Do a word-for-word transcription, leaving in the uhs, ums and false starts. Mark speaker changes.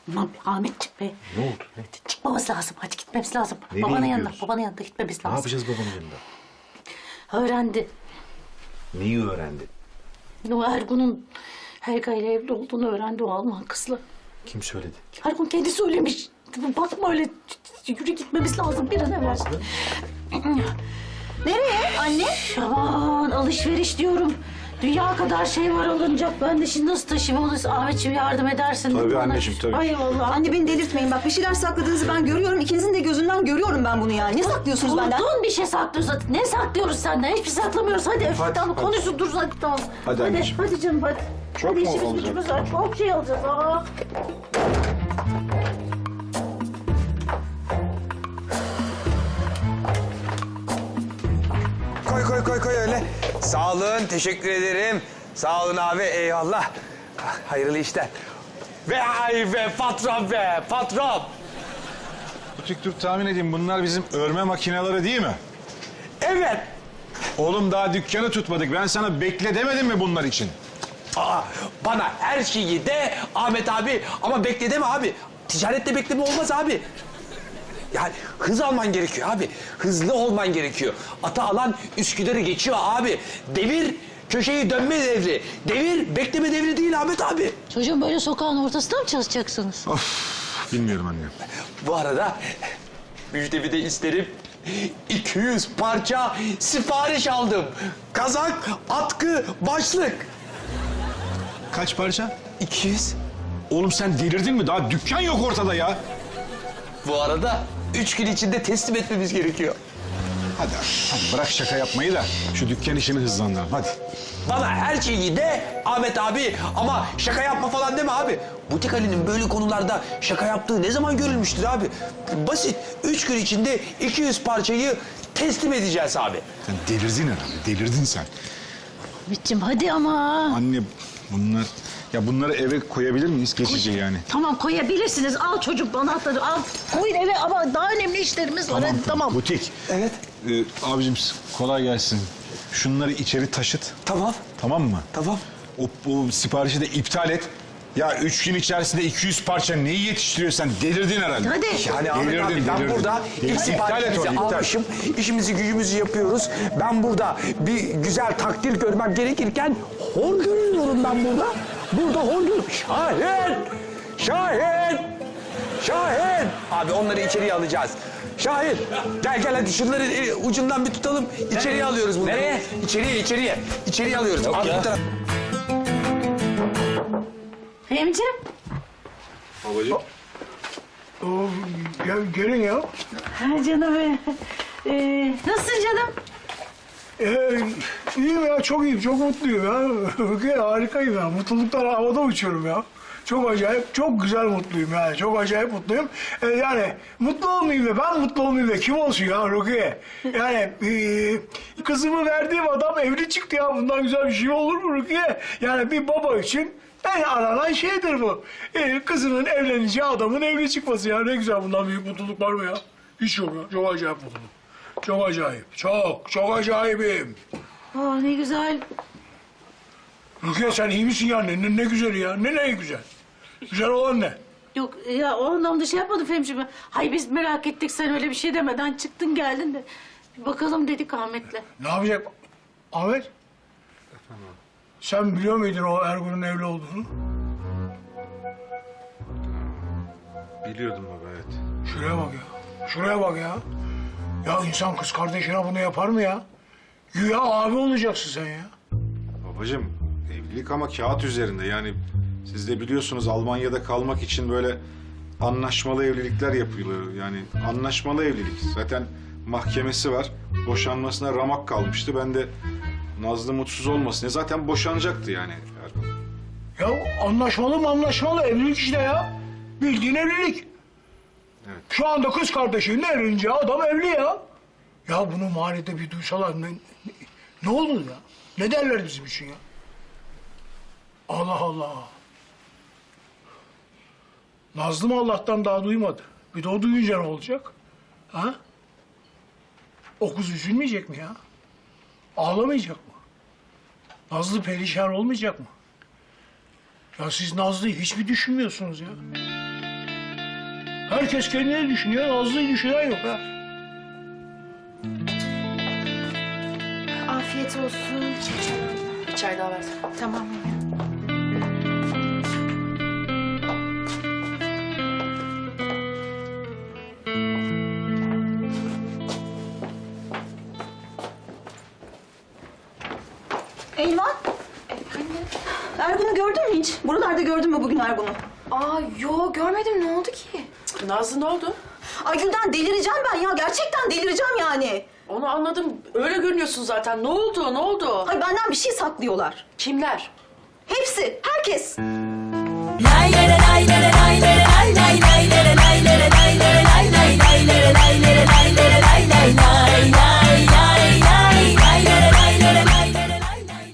Speaker 1: Aman Ahmetciğim be.
Speaker 2: Ne oldu? Ne?
Speaker 1: Çıkmamız lazım. Hadi gitmemiz lazım.
Speaker 2: Nereye
Speaker 1: babanın yanına,
Speaker 2: gidiyoruz?
Speaker 1: babanın yanına gitmemiz lazım.
Speaker 2: Ne yapacağız babanın yanında?
Speaker 1: Öğrendi.
Speaker 2: Neyi öğrendi?
Speaker 1: O Ergun'un Helga ile evli olduğunu öğrendi o Alman kızla.
Speaker 2: Kim söyledi?
Speaker 1: Ergun kendi söylemiş. Bakma öyle. Yürü gitmemiz lazım bir an evvel.
Speaker 3: Nereye anne?
Speaker 1: Aman alışveriş diyorum. Dünya kadar şey var alınacak. Ben de şimdi nasıl taşıyayım onu? Ahmetciğim yardım edersin.
Speaker 2: Tabii
Speaker 1: bana.
Speaker 2: anneciğim, tabii.
Speaker 1: Ay vallahi.
Speaker 3: Anne beni delirtmeyin. Bak bir şeyler sakladığınızı ben görüyorum. İkinizin de gözünden görüyorum ben bunu yani. Ne saklıyorsunuz benden?
Speaker 1: Unuttun bir şey saklıyoruz. Ne saklıyoruz senden? Hiçbir şey saklamıyoruz. Hadi,
Speaker 2: Hadi,
Speaker 1: tamam
Speaker 2: hadi.
Speaker 1: konuşun dur hadi tamam.
Speaker 2: Hadi anneciğim.
Speaker 1: Hadi canım hadi.
Speaker 2: Çok
Speaker 1: hadi
Speaker 2: mu
Speaker 1: işimiz
Speaker 2: olacak?
Speaker 1: gücümüz var. Çok şey alacağız. Aa.
Speaker 4: Koy koy koy koy öyle. Sağ olun, teşekkür ederim. Sağ olun abi, eyvallah. Hayırlı işler. Ve ay be patron be, patron.
Speaker 5: Butik dur tahmin edeyim bunlar bizim örme makineleri değil mi?
Speaker 4: Evet.
Speaker 5: Oğlum daha dükkanı tutmadık. Ben sana bekle demedim mi bunlar için?
Speaker 4: Aa, bana her şeyi de Ahmet abi ama bekle deme abi. Ticarette bekleme olmaz abi. Yani hız alman gerekiyor abi. Hızlı olman gerekiyor. Ata alan Üsküdar'ı geçiyor abi. Devir köşeyi dönme devri. Devir bekleme devri değil Ahmet abi.
Speaker 1: Çocuğum böyle sokağın ortasında mı çalışacaksınız?
Speaker 5: Of bilmiyorum anne.
Speaker 4: Bu arada müjdemi de isterim. iki yüz parça sipariş aldım. Kazak, atkı, başlık.
Speaker 5: Kaç parça?
Speaker 4: iki yüz.
Speaker 5: Oğlum sen delirdin mi? Daha dükkan yok ortada ya.
Speaker 4: Bu arada üç gün içinde teslim etmemiz gerekiyor.
Speaker 5: Hadi hadi bırak şaka yapmayı da şu dükkan işini hızlandıralım hadi.
Speaker 4: Bana her şeyi de Ahmet abi ama şaka yapma falan deme abi. Butik Ali'nin böyle konularda şaka yaptığı ne zaman görülmüştür abi? Basit. Üç gün içinde iki yüz parçayı teslim edeceğiz abi.
Speaker 5: Sen delirdin herhalde delirdin sen.
Speaker 1: Ahmetciğim hadi ama.
Speaker 5: Anne bunlar... Ya bunları eve koyabilir miyiz geçici yani?
Speaker 1: Tamam koyabilirsiniz. Al çocuk anahtarı al. Koyun eve ama daha önemli işlerimiz var. Hadi, tamam.
Speaker 5: Butik.
Speaker 4: Evet.
Speaker 5: Ee, abicim kolay gelsin. Şunları içeri taşıt.
Speaker 4: Tamam.
Speaker 5: Tamam mı?
Speaker 4: Tamam.
Speaker 5: O, o siparişi de iptal et. Ya üç gün içerisinde iki yüz parça neyi yetiştiriyorsun sen? Delirdin herhalde.
Speaker 1: Hadi.
Speaker 4: Yani Ahmet
Speaker 5: Delirdin,
Speaker 4: abi ben
Speaker 5: delirdin.
Speaker 4: burada
Speaker 5: Delirdin.
Speaker 4: ilk
Speaker 5: İptal et
Speaker 4: siparişimizi
Speaker 5: onu, iptal.
Speaker 4: almışım. İşimizi gücümüzü yapıyoruz. Ben burada bir güzel takdir görmem gerekirken hor görüyorum ben burada. Burada hor görüyorum. Şahin! Şahin! Şahin! Abi onları içeriye alacağız. Şahin gel gel hadi şunları e, ucundan bir tutalım. İçeriye alıyoruz bunları. Nereye? İçeriye içeriye. İçeriye alıyoruz. Abi, bu taraf-
Speaker 1: Fehmiciğim.
Speaker 5: Babacığım.
Speaker 6: Oo, ya gelin ya.
Speaker 1: Ha canım. e, Ee, nasılsın canım?
Speaker 6: Ee, iyiyim ya, çok iyiyim, çok mutluyum ya. Rukiye, harikayım ya, mutluluktan havada uçuyorum ya. Çok acayip, çok güzel mutluyum yani, çok acayip mutluyum. Ee, yani mutlu olmayayım da, ben mutlu olmayayım da kim olsun ya Rukiye? Yani ee, kızımı verdiğim adam evli çıktı ya, bundan güzel bir şey olur mu Rukiye? Yani bir baba için en aranan şeydir bu. Ee, kızının evleneceği adamın evli çıkması ya, ne güzel, bundan büyük mutluluk var mı ya? Hiç yok ya, çok acayip mutluluk. Çok acayip, çok, çok acayibim.
Speaker 1: Aa ne güzel.
Speaker 6: Rukiye sen iyi misin ya? Ne, ne, ne güzeli ya? Ne ne güzel? Güzel olan ne?
Speaker 1: Yok ya o anlamda şey yapmadım Fehmiciğim. Hay biz merak ettik sen öyle bir şey demeden çıktın geldin de. Bir bakalım dedik Ahmet'le.
Speaker 6: Ne yapacak? Ahmet? Sen biliyor muydun o Ergun'un evli olduğunu?
Speaker 5: Biliyordum baba evet.
Speaker 6: Şuraya bak ya. Şuraya bak ya. Ya insan kız kardeşine bunu yapar mı ya? Güya abi olacaksın sen ya.
Speaker 5: Babacığım evlilik ama kağıt üzerinde yani siz de biliyorsunuz Almanya'da kalmak için böyle anlaşmalı evlilikler yapılıyor. Yani anlaşmalı evlilik. Zaten mahkemesi var. Boşanmasına ramak kalmıştı. Ben de Nazlı mutsuz olmasın. Zaten boşanacaktı yani Ergun.
Speaker 6: Ya anlaşmalı mı anlaşmalı evlilik işte ya. Bildiğin evlilik.
Speaker 5: Evet.
Speaker 6: Şu anda kız kardeşinin evlenince adam evli ya. Ya bunu mahallede bir duysalar ne, ne, ne olur ya? Ne derler bizim için ya? Allah Allah. Nazlı mı Allah'tan daha duymadı? Bir de o duyunca ne olacak? Ha? O kız üzülmeyecek mi ya? Ağlamayacak mı? Nazlı perişan olmayacak mı? Ya siz Nazlı'yı hiç mi düşünmüyorsunuz ya? Herkes kendini düşünüyor, Nazlı'yı düşünen yok ha.
Speaker 7: Afiyet olsun.
Speaker 8: Bir çay daha versene.
Speaker 7: Tamam.
Speaker 3: Elvan. Ergun'u gördün mü hiç? Buralarda gördün mü bugün Ergun'u?
Speaker 7: Aa yo görmedim, ne oldu ki?
Speaker 8: Nazlı ne oldu?
Speaker 3: Ay Gülden delireceğim ben ya. Gerçekten delireceğim yani.
Speaker 8: Onu anladım. Öyle görünüyorsun zaten. Ne oldu? Ne oldu?
Speaker 3: Ay benden bir şey saklıyorlar.
Speaker 8: Kimler?
Speaker 3: Hepsi, herkes.
Speaker 9: Lay lay lay lay lay